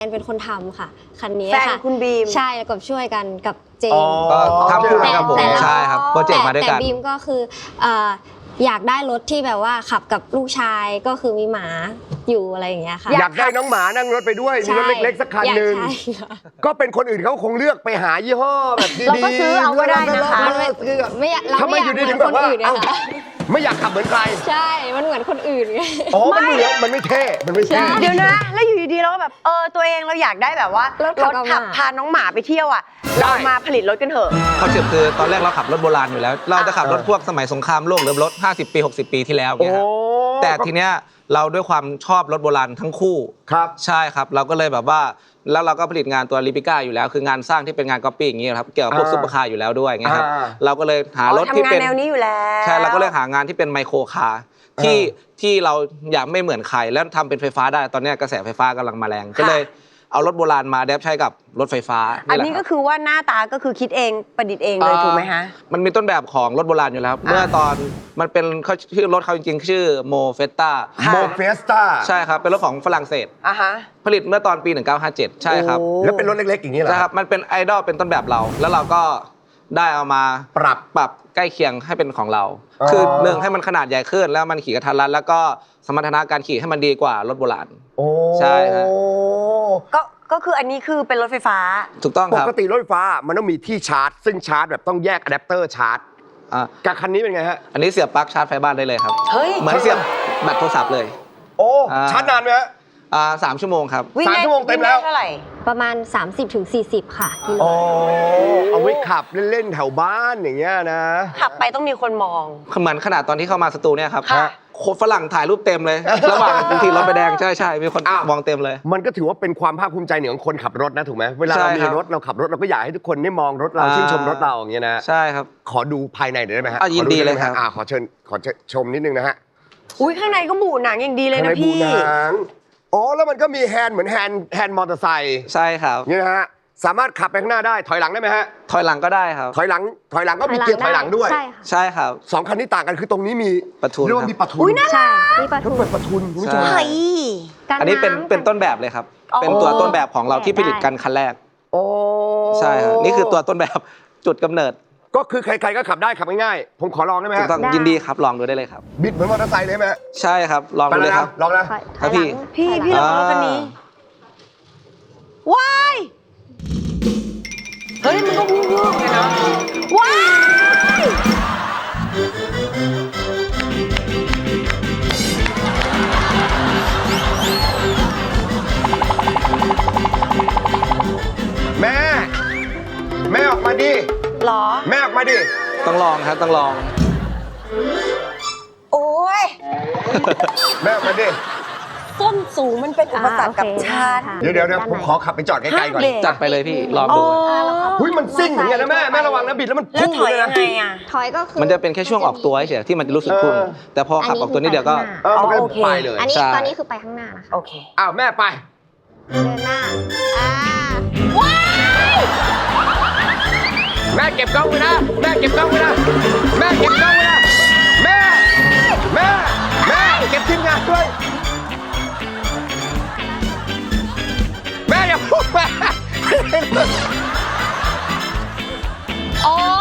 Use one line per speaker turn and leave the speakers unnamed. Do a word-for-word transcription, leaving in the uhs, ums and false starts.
เป็นคนทำค่ะคันนี้ค่ะ
แฟนคุณบีม
ใช่กับช่วยกันกับเจม
ก็ทำคู่กันกับผม
แต่
ใช่ครับโปรเจกต์มาด้วยกัน
แต่บีมก็คืออยากได้รถที่แบบว่าขับกับลูกชายก็คือมีหมาอยู่อะไรอย่างเงี้ยค่ะ
อยากได้น้องหมานั่งรถไปด้วยมีรถเล็กๆสักคันหนึ่งก็เป็นคนอื่นเขาคงเลือกไปหายี่ห้อแบบดีๆ
เราก็ซื้อเอาก็ได้นะคะ
ไม่เรา
ทำไม
ไม่อ
อย
าก
ยู่
เห
ดี
มือน
ถึงแบ
ค
บ
น
ว่า
อื่นไง
เอ้า
คะ
ไม่อยากขับเหมือนใคร
ใช่มันเหมือนคนอื่นไง
อ๋อมันเหมือนมันไม่เท่มันไม่เท่
เดี๋ยวนะ แล้วอยู่ดีๆเราก็แบบเออตัวเองเราอยากได้แบบว่าร
ถขับ
ขับ
หมา
พาน้องหมาไปเที่ยวอ่ะเรามาผลิตรถกันเถอะ
คอนเซ็ปต์คือตอนแรกเราขับรถโบราณอยู่แล้ว เราจะขับรถพวกสมัยสงครามโลกหรือรถห้าสิบปีหกสิบปีที่แล้วเนี่ยครับแต่ทีเนี้ยเราด้วยความชอบรถโบราณทั้งคู่
ครับ
ใช่ครับเราก็เลยแบบว่าแล้วเราก็ผลิตงานตัวลิปิก้าอยู่แล้วคืองานสร้างที่เป็นงานก๊อปปี้อย่างเงี้ยครับเกี่ยวกับพวกซุปเปอร์คาร์อยู่แล้วด้วยอย่างเงี้ยครับเราก็เลยหารถที่เป็น
ทำงานแนวนี้อยู่แล้ว
ใช่เราก็เลยหางานที่เป็นไมโครคาร์ที่ที่เราอยากไม่เหมือนใครแล้วทำเป็นไฟฟ้าได้ตอนนี้กระแสไฟฟ้ากำลังมาแรงก็เลยเอารถโบราณมาแดปใช้กับรถไฟฟ้า
อันนี้ก็คือว่าหน้าตาก็คือคิดเองประดิษฐ์เองเลยถูกไหมฮะ
มันมีต้นแบบของรถโบราณอยู่แล้ว เมื่อตอนมันเป็นเขาชื่อรถเขาจริงๆชื่อโมเฟสต้า
โมเฟสต้า
ใช่ครับเป็นรถของฝรั่งเศส
อ่ะฮะ
ผลิตเมื่อตอนปี หนึ่งเก้าห้าเจ็ด ใช่ครับ
โอ้
แล้วเป็นรถเล็กๆอย่างนี้เหรอ
ใช่ครับมันเป็นไอดอลเป็นต้นแบบเรา แล้วเราก็ได้เอามา
ปรับ
ปรับใกล้เคียงให้เป็นของเรา
อ๋อ
คือหนึ่งให้มันขนาดใหญ่ขึ้นแล้วมันขี่กระทันรัดแล้วก็สมรรถนะการขี่ให้มันดีกว่ารถโบราณ
โอ้
ใช่ฮะ
ก็ก็คืออันนี้คือเป็นรถไฟฟ้า
ถูกต้อง
ป
ครับ
กติรถไฟฟ้ามันต้องมีที่ชาร์จ ซึ่งชาร์จแบบต้องแยกอะแดปเตอร์ชาร์จ
อ่ะ
กับคันนี้เป็นไงฮะ
อันนี้เสียบปลั๊กชาร์จไฟบ้านได้เลยครับ
เฮ้ย
เหมือนเสียบแบตโทรศัพท์เลย
โอ้
อ่า
ชาร์จนานไหมฮะ
อ่าสามชั่วโมงครับ
วิ่ง
สาม
ได้
ชั่วโมงเต็มแล้ว
วิ่งได้เท่าไหร่
ประมาณ สามสิบถึงสี่สิบ ค่ะกิโล
โอ้เอาไว้ขับเล่นๆแถวบ้านอย่างเงี้ยนะ
ขับไปต้องมีคนมอง
เหมือนขนาดตอนที่เข้ามาสตูเนี่ยครับ
ค่ะ
โคฝรั่งถ่ายรูปเต็มเลย ระหว่างทีรถไปแดงใช่ใช่มีคน
อ้าว
มองเต็มเลย
มันก็ถือว่าเป็นความภาคภูมิใจเหนือของคนขับรถนะถูกไหมเวลา
ใช่
เรามี
ครับ
รถเราขับรถเราก็อยากให้ทุกคนได้มองรถเรา
อ่า
ชื่นชมรถเราอย่างเงี้ยนะ
ใช่ครับ
ขอดูภายในหน่อยได้ไหมฮะ
อ่ะยินดี
ขอ
เลยครับ
ไไหมฮะอ่าขอเชิญขอเชิญชมนิดนึงนะฮะ
อุ้ยข้างในก็บูหนังอย่างดีเลย
ข้าง
นะ
ในบู
พี่
หนังอ๋อแล้วมันก็มีแฮนด์เหมือนแฮนด์แฮนด์มอเตอร์ไซค์
ใช่ครับ
นี่นะฮะสามารถขับไปข้างหน้าได้ถอยหลังได้ไหมฮะ
ถอยหลังก็ได้ครับ
ถอยหลังถอยหลังก็มีเกียร์ถอยหลังด้วย
ใช่ค่ะ
ใช่ครับ
สองคันนี้ต่างกันคือตรงนี้มี
ประทุน
เรียกว่า
ครับ
มีประทุน
อุ๊ยน่า
ใช่มีปลา
แล้ว
ทู
เปิดประทุนคุณผู้ชม
ใช่
เฮ้ย
กั
อันนี้เป็น
ำ
เป็นต้นแบบเลยครับ
อ๋อ
เป็นตัวต้นแบบของเราที่ผลิตกันคันแรก
โอ้
ใช่ครับนี่คือตัวต้นแบบจุดกำเนิด
ก็คือใครๆก็ขับได้ขับง่ายๆผมขอลองได้ไหม
ถู
ฮะ
กต้องยินดีครับลองดูได้เลยครับ
บิดเหมือนมอเตอร์ไซค์เลยไหมฮะ
ใช่ครับลอง
ไป
ดู
เล
เลย ย
ค
ค
รั
รั
บบ ลองนะ
ถอย
ครับ
ถอยหลัง
พี่
ถอยหลัง
พี่ลองรถคันนี้ ว้าย เฮ้ยมันก็วูบๆเลยนะว้าย
แม่ แม่ออกมาดิ
หรอ
แม่ออกมาดิ
ต้องลองครับต้องลอง
โอ้ย
แม่ออกมาดิ
ส้นสูงมันเป็นอุปสรรคกับ
อ่าโอเค
ฉัน
ค่ะ
เดี๋ยวเดี๋ยวเดี๋ยวผมขอขับไปจอดไกลๆก่อน
ห้ามเบรก
จัดไปเลยพี่ลอง
อ๋อ
ดู
หุ้ยมันซิ่งเหมือนกันนะแม่แม่ระวังนะบิดแล้วมัน
แล้ว
พุ่ง
ถอย
เลย
ยั
นะ
งไงอ่ะ
ถอยก็คือ
มันจะเป็นแค่ช่วงออกตัวเฉยๆที่มันจะรู้สึกพุ่ง
เออ
แต่พอขับออกตัวนี้เดียวก็
เออมันก็
อ๋อโอเค
ไปเลย
อันนี้
ใช่
ตอนนี้คือไปข้างหน้านะคะ
โอเค
อ้าวแม่ไป
เดินหน้าอ่า
แม่เก็บกล้องไว้นะแม่เก็บกล้องไว้นะแม่เก็บกล้องไว้นะแม่แม่แม่เก็บทีมงานด้วยแม่อย่าพูดแม่
โอ้